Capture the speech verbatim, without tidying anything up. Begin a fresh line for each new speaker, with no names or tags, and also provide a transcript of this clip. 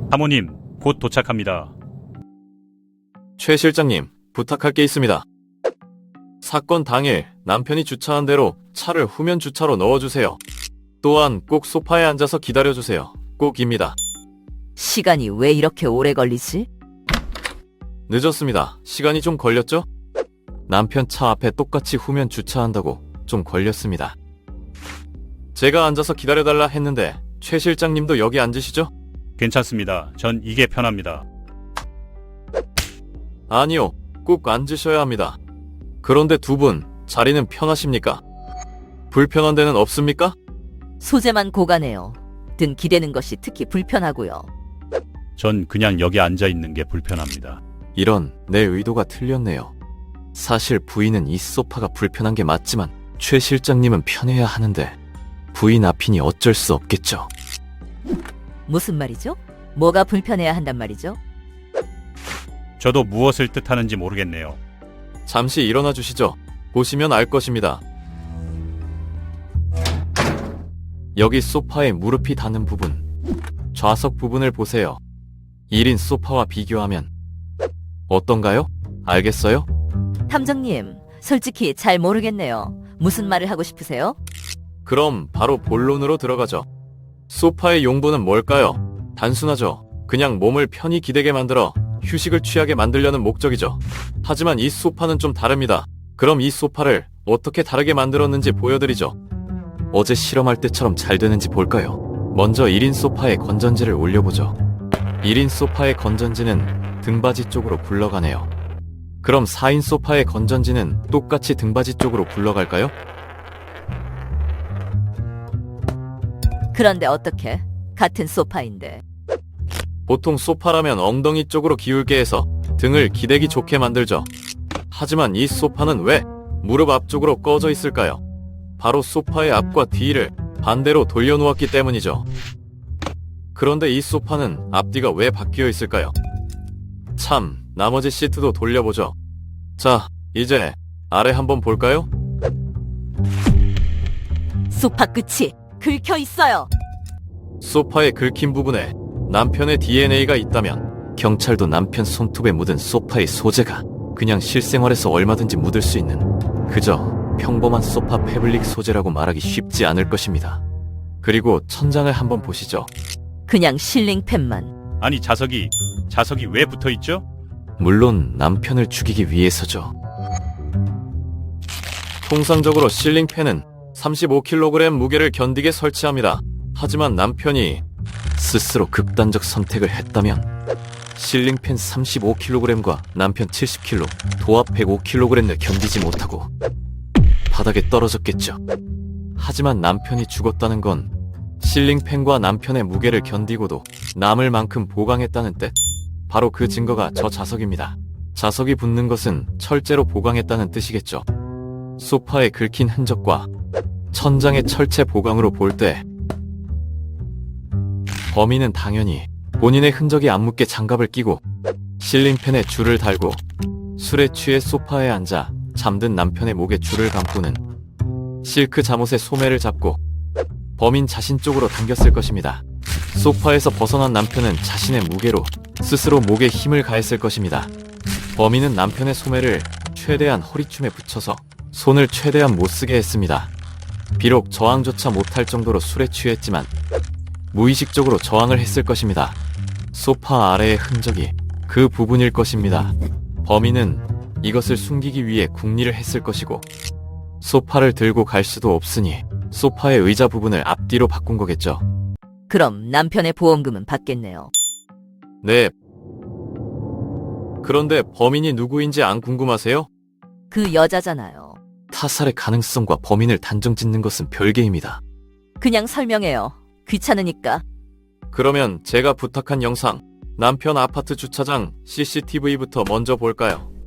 사모님, 곧 도착합니다.
최 실장님, 부탁할 게 있습니다. 사건 당일 남편이 주차한 대로 차를 후면 주차로 넣어주세요. 또한 꼭 소파에 앉아서 기다려주세요. 꼭입니다.
시간이 왜 이렇게 오래 걸리지?
늦었습니다. 시간이 좀 걸렸죠? 남편 차 앞에 똑같이 후면 주차한다고 좀 걸렸습니다. 제가 앉아서 기다려달라 했는데 최 실장님도 여기 앉으시죠?
괜찮습니다. 전 이게 편합니다.
아니요, 꼭 앉으셔야 합니다. 그런데 두 분 자리는 편하십니까? 불편한 데는 없습니까?
소재만 고가네요. 등 기대는 것이 특히 불편하고요.
전 그냥 여기 앉아 있는 게 불편합니다.
이런, 내 의도가 틀렸네요. 사실 부인은 이 소파가 불편한 게 맞지만 최 실장님은 편해야 하는데 부인 앞이니 어쩔 수 없겠죠.
무슨 말이죠? 뭐가 불편해야 한단 말이죠?
저도 무엇을 뜻하는지 모르겠네요.
잠시 일어나 주시죠. 보시면 알 것입니다. 여기 소파에 무릎이 닿는 부분, 좌석 부분을 보세요. 일 인 소파와 비교하면 어떤가요? 알겠어요?
탐정님, 솔직히 잘 모르겠네요. 무슨 말을 하고 싶으세요?
그럼 바로 본론으로 들어가죠. 소파의 용도는 뭘까요? 단순하죠. 그냥 몸을 편히 기대게 만들어 휴식을 취하게 만들려는 목적이죠. 하지만 이 소파는 좀 다릅니다. 그럼 이 소파를 어떻게 다르게 만들었는지 보여드리죠. 어제 실험할 때처럼 잘 되는지 볼까요? 먼저 일 인 소파에 건전지를 올려보죠. 일 인 소파의 건전지는 등받이 쪽으로 굴러가네요. 그럼 사 인 소파의 건전지는 똑같이 등받이 쪽으로 굴러갈까요?
그런데 어떻게? 같은 소파인데.
보통 소파라면 엉덩이 쪽으로 기울게 해서 등을 기대기 좋게 만들죠. 하지만 이 소파는 왜 무릎 앞쪽으로 꺼져 있을까요? 바로 소파의 앞과 뒤를 반대로 돌려놓았기 때문이죠. 그런데 이 소파는 앞뒤가 왜 바뀌어 있을까요? 참, 나머지 시트도 돌려보죠. 자, 이제 아래 한번 볼까요?
소파 끝이 긁혀 있어요.
소파의 긁힌 부분에 남편의 디엔에이가 있다면 경찰도 남편 손톱에 묻은 소파의 소재가 그냥 실생활에서 얼마든지 묻을 수 있는 그저 평범한 소파 패블릭 소재라고 말하기 쉽지 않을 것입니다. 그리고 천장을 한번 보시죠.
그냥 실링팬만.
아니, 자석이, 자석이 왜 붙어 있죠?
물론 남편을 죽이기 위해서죠. 통상적으로 실링팬은 삼십오 킬로그램 무게를 견디게 설치합니다. 하지만 남편이 스스로 극단적 선택을 했다면 실링팬 삼십오 킬로그램과 남편 칠십 킬로그램, 도합 백오 킬로그램을 견디지 못하고 바닥에 떨어졌겠죠. 하지만 남편이 죽었다는 건 실링팬과 남편의 무게를 견디고도 남을 만큼 보강했다는 뜻. 바로 그 증거가 저 자석입니다. 자석이 붙는 것은 철제로 보강했다는 뜻이겠죠. 소파에 긁힌 흔적과 천장의 철제 보강으로 볼 때 범인은 당연히 본인의 흔적이 안 묻게 장갑을 끼고 실링팬에 줄을 달고 술에 취해 소파에 앉아 잠든 남편의 목에 줄을 감고는 실크 잠옷의 소매를 잡고 범인 자신 쪽으로 당겼을 것입니다. 소파에서 벗어난 남편은 자신의 무게로 스스로 목에 힘을 가했을 것입니다. 범인은 남편의 소매를 최대한 허리춤에 붙여서 손을 최대한 못 쓰게 했습니다. 비록 저항조차 못할 정도로 술에 취했지만 무의식적으로 저항을 했을 것입니다. 소파 아래의 흔적이 그 부분일 것입니다. 범인은 이것을 숨기기 위해 궁리를 했을 것이고 소파를 들고 갈 수도 없으니 소파의 의자 부분을 앞뒤로 바꾼 거겠죠.
그럼 남편의 보험금은 받겠네요.
네. 그런데 범인이 누구인지 안 궁금하세요?
그 여자잖아요.
타살의 가능성과 범인을 단정 짓는 것은 별개입니다.
그냥 설명해요. 귀찮으니까.
그러면 제가 부탁한 영상, 남편 아파트 주차장 씨씨티비부터 먼저 볼까요?